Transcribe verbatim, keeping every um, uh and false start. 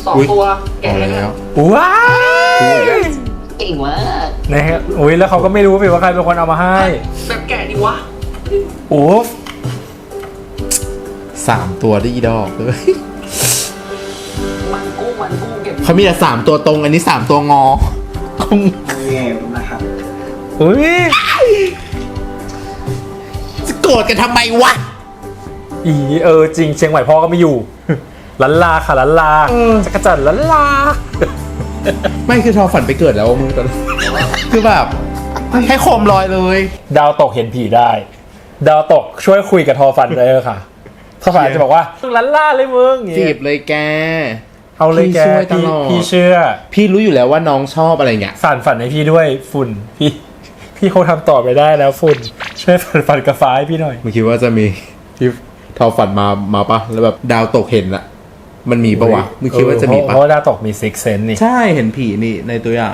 สองตัวแกะแล้วว้ายเก่งมากนะฮะอุ้ยแล้วเขาก็ไม่รู้ว่าใครเป็นคนเอามาให้แบบแกะดิวะโอ้สามตัวได้อีดอกเลยมันกุ้งมันกุ้งเก็บเขามีแต่สามตัวตรงอันนี้สามตัวงอคงเก็บนะครับอุ้ยจะโกรธกันทำไมวะอีเออจริงเชียงใหม่พ่อก็ไม่อยู่ ลันลาค่ะลันลาจักรจันทร์ลันลาไม่คือทอฝันไปเกิดแล้วมึงตอนนั้นคือแบบให้โคมลอยเลยดาวตกเห็นผีได้ ดาวตกช่วยคุยกับทอฟันได้เลยค่ะทอฟันจะบอกว่าลันลาเลยมึงจีบเลยแกเอาเลยแกพี่ช่วยตพี่ลอดพี่เชื่อพี่รู้อยู่แล้วว่าน้องชอบอะไรเงี้ยสานฝันให้พี่ด้วยฝุ่นพี่พี่คงทำต่อไปได้แล้วฝุ่นช่วยฝันฝันกับฟ้าให้พี่หน่อยมึงคิดว่าจะมีที่ทอฝันมามาปะแล้วแบบดาวตกเห็นอะมันมีปะวะมึงคิดว่าจะมีเพปะราะว่าดาวตกมีซิกเซนนี่ใช่เห็นผีนี่ในตัวอย่าง